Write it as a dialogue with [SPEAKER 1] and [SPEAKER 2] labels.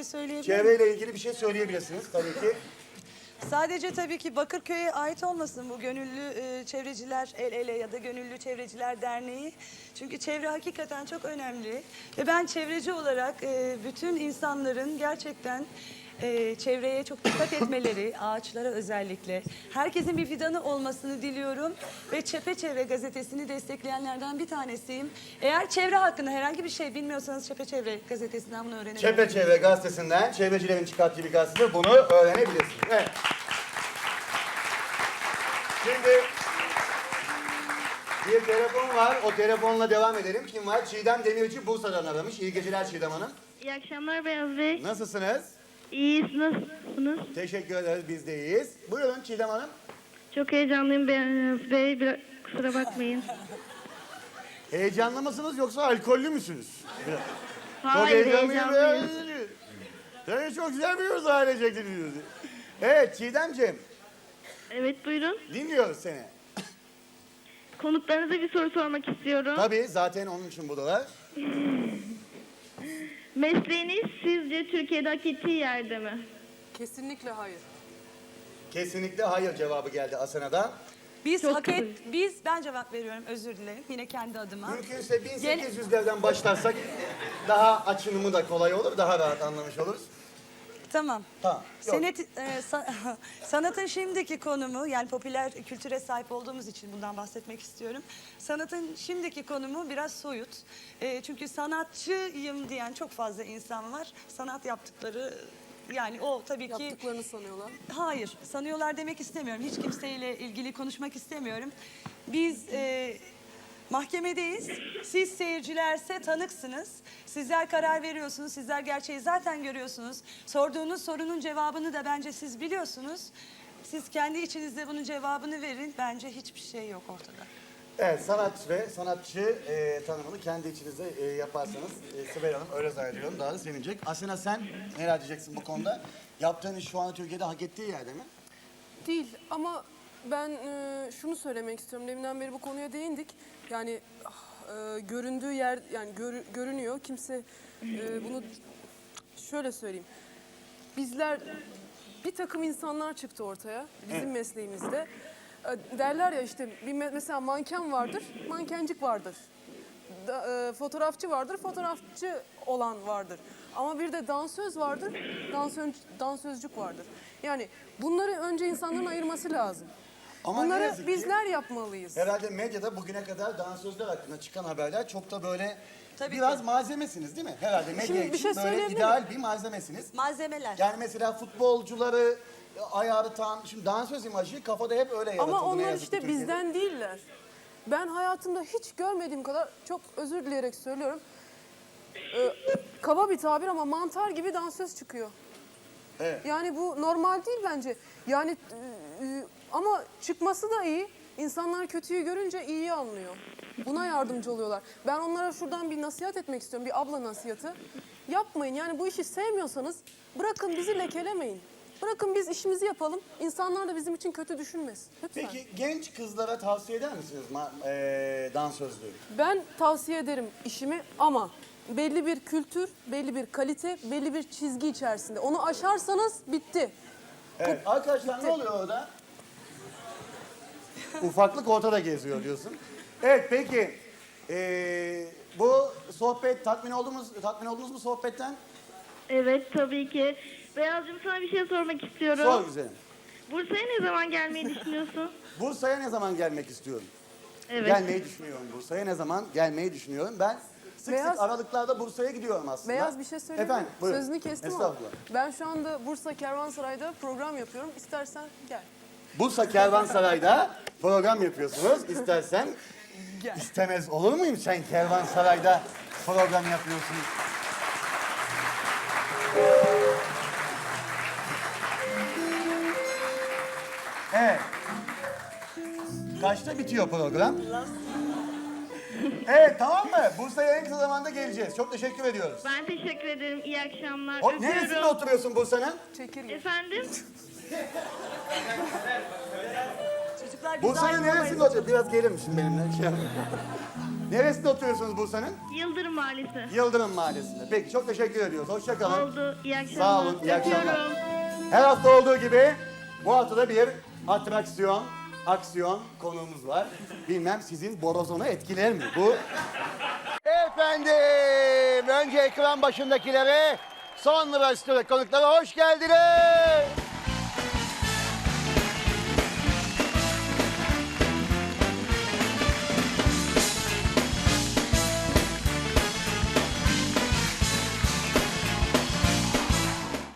[SPEAKER 1] şey söyleyebilir miyim?
[SPEAKER 2] Çevreyle ilgili bir şey söyleyebilirsiniz tabii ki.
[SPEAKER 1] Sadece tabii ki Bakırköy'e ait olmasın bu Gönüllü Çevreciler El Ele ya da Gönüllü Çevreciler Derneği. Çünkü çevre hakikaten çok önemli. Ve ben çevreci olarak bütün insanların gerçekten çevreye çok dikkat etmeleri, ağaçlara özellikle. Herkesin bir fidanı olmasını diliyorum. Ve Çepeçevre gazetesini destekleyenlerden bir tanesiyim. Eğer çevre hakkında herhangi bir şey bilmiyorsanız Çepeçevre gazetesinden bunu öğrenebilirsiniz.
[SPEAKER 2] Çepeçevre gazetesinden, çevrecilerin çıkarttığı bir gazete, bunu öğrenebilirsiniz. Evet. Şimdi bir telefon var. O telefonla devam edelim. Kim var? Çiğdem Demirci Bursa'dan aramış. İyi geceler Çiğdem Hanım.
[SPEAKER 3] İyi akşamlar Beyaz Bey.
[SPEAKER 2] Nasılsınız?
[SPEAKER 3] İyiyiz, nasılsınız?
[SPEAKER 2] Teşekkür ederiz. Biz de iyiyiz. Buyurun Çiğdem Hanım.
[SPEAKER 3] Çok heyecanlıyım Beyaz Bey. Biraz kusura bakmayın.
[SPEAKER 2] Heyecanlı mısınız yoksa alkollü müsünüz?
[SPEAKER 3] Hayır,
[SPEAKER 2] Çok
[SPEAKER 3] heyecanlıyım.
[SPEAKER 2] Seni çok güzel biliyoruz ailecek dinliyoruz. Evet Çiğdemciğim,
[SPEAKER 3] Evet, buyurun.
[SPEAKER 2] dinliyoruz seni.
[SPEAKER 3] Konuklarınıza bir soru sormak istiyorum.
[SPEAKER 2] Tabii zaten onun için buradalar.
[SPEAKER 3] Mesleğiniz sizce Türkiye'de hak ettiği yerde mi?
[SPEAKER 4] Kesinlikle hayır.
[SPEAKER 2] Kesinlikle hayır cevabı geldi Asena'dan.
[SPEAKER 1] Ben cevap veriyorum, özür dilerim. Yine kendi adıma.
[SPEAKER 2] Mümkünse 1800'lerden başlarsak daha açılımı da kolay olur, daha rahat anlamış oluruz.
[SPEAKER 1] Tamam.
[SPEAKER 2] Tamam. Yok.
[SPEAKER 1] Sanatın şimdiki konumu, yani popüler kültüre sahip olduğumuz için bundan bahsetmek istiyorum. Sanatın şimdiki konumu biraz soyut. Çünkü sanatçıyım diyen çok fazla insan var. Sanat yaptıkları, yani o tabii ki...
[SPEAKER 4] Yaptıklarını sanıyorlar.
[SPEAKER 1] Hayır, sanıyorlar demek istemiyorum. Hiç kimseyle ilgili konuşmak istemiyorum. Biz mahkemedeyiz. Siz seyircilerse tanıksınız. Sizler karar veriyorsunuz. Sizler gerçeği zaten görüyorsunuz. Sorduğunuz sorunun cevabını da bence siz biliyorsunuz. Siz kendi içinizde bunun cevabını verin. Bence hiçbir şey yok ortada.
[SPEAKER 2] Evet, sanat ve sanatçı tanımını kendi içinizde yaparsanız Sibel Hanım öyle zannediyorum daha da sevinecek. Asena sen neler diyeceksin bu konuda? Yaptığın iş şu anda Türkiye'de hak ettiği yerde mi?
[SPEAKER 4] Değil ama ben şunu söylemek istiyorum. Deminden beri bu konuya değindik. Yani göründüğü yer, yani görünüyor. Kimse bunu şöyle söyleyeyim. Bizler, bir takım insanlar çıktı ortaya bizim mesleğimizde. Derler ya işte mesela manken vardır, mankencik vardır. Fotoğrafçı vardır, fotoğrafçı olan vardır. Ama bir de dansöz vardır, dansözcük vardır. Yani bunları önce insanların ayırması lazım.
[SPEAKER 2] Ama ne
[SPEAKER 4] Bunları
[SPEAKER 2] yazık ki
[SPEAKER 4] bizler yapmalıyız.
[SPEAKER 2] herhalde medyada bugüne kadar dansözler hakkında çıkan haberler çok da böyle
[SPEAKER 1] Tabii
[SPEAKER 2] biraz
[SPEAKER 1] ki.
[SPEAKER 2] malzemesiniz değil mi? Herhalde medya
[SPEAKER 4] Şimdi bir
[SPEAKER 2] için
[SPEAKER 4] şey
[SPEAKER 2] böyle
[SPEAKER 4] söyleyebilir
[SPEAKER 2] ideal bir malzemesiniz.
[SPEAKER 1] Malzemeler.
[SPEAKER 2] Yani mesela futbolcuları ayartan, şimdi dansöz imajı kafada hep öyle yaratıldı.
[SPEAKER 4] Ama
[SPEAKER 2] ne
[SPEAKER 4] onlar
[SPEAKER 2] yazık ki
[SPEAKER 4] işte
[SPEAKER 2] Türkiye'de.
[SPEAKER 4] bizden değiller. Ben hayatımda hiç görmediğim kadar, çok özür dileyerek söylüyorum. Kaba bir tabir ama mantar gibi dansöz çıkıyor.
[SPEAKER 2] Evet.
[SPEAKER 4] Yani bu normal değil bence. Yani ama çıkması da iyi. İnsanlar kötüyü görünce iyiyi anlıyor. Buna yardımcı oluyorlar. Ben onlara şuradan bir nasihat etmek istiyorum. Bir abla nasihatı. Yapmayın. Yani bu işi sevmiyorsanız bırakın, bizi lekelemeyin. Bırakın biz işimizi yapalım. İnsanlar da bizim için kötü düşünmesin. Lütfen.
[SPEAKER 2] Peki genç kızlara tavsiye eder misiniz dansözlüğü?
[SPEAKER 4] Ben tavsiye ederim işimi ama belli bir kültür, belli bir kalite, belli bir çizgi içerisinde. Onu aşarsanız bitti.
[SPEAKER 2] Evet. Arkadaşlar ne oluyor orada? Ufaklık ortada geziyor diyorsun. Evet peki. Bu sohbet tatmin oldunuz mu sohbetten?
[SPEAKER 3] Evet, tabii ki. Beyazcığım, sana bir şey sormak istiyorum.
[SPEAKER 2] Sor güzelim.
[SPEAKER 3] Bursa'ya ne zaman gelmeyi düşünüyorsun?
[SPEAKER 2] Bursa'ya ne zaman gelmek istiyorum?
[SPEAKER 3] Evet.
[SPEAKER 2] Gelmeyi düşünüyorum Bursa'ya. Ne zaman gelmeyi düşünüyorum? Ben sık
[SPEAKER 4] Beyaz-
[SPEAKER 2] sık aralıklarda Bursa'ya gidiyorum aslında.
[SPEAKER 4] Beyaz bir şey söyleyeyim mi?
[SPEAKER 2] Efendim buyurun.
[SPEAKER 4] Sözünü kestim ama
[SPEAKER 2] Estağfurullah.
[SPEAKER 4] ben şu anda Bursa Kervansaray'da program yapıyorum. İstersen gel.
[SPEAKER 2] Bursa Kervansaray'da program yapıyorsunuz. İstersen istemez olur muyum sen Kervansaray'da program yapıyorsun? Evet. Kaçta bitiyor program? Evet tamam mı? Bursa'ya en kısa zamanda geleceğiz. Çok teşekkür ediyoruz.
[SPEAKER 3] Ben teşekkür ederim. İyi akşamlar.
[SPEAKER 2] O, neresinde
[SPEAKER 3] Öpüyorum.
[SPEAKER 2] oturuyorsun Bursa'nın?
[SPEAKER 4] Çekirge.
[SPEAKER 3] Efendim?
[SPEAKER 1] Çocuklar biz
[SPEAKER 2] Bursa'nın
[SPEAKER 1] ayrılamayız.
[SPEAKER 2] neresinde oturuyorsun? Biraz gelir misin benimle? Neresinde oturuyorsunuz Bursa'nın?
[SPEAKER 3] Yıldırım Mahallesi.
[SPEAKER 2] Yıldırım Mahallesi'nde. Peki çok teşekkür ediyoruz. Hoşça kalın.
[SPEAKER 3] Oldu. İyi akşamlar.
[SPEAKER 2] Sağ olun, iyi akşamlar.
[SPEAKER 3] Öpüyorum.
[SPEAKER 2] Her hafta olduğu gibi bu hafta da bir aksiyon konuğumuz var. Bilmem sizin borozonu etkiler mi bu? Efendim, önce ekran başındakilere, sonra stüdyo konuklara hoş geldiniz.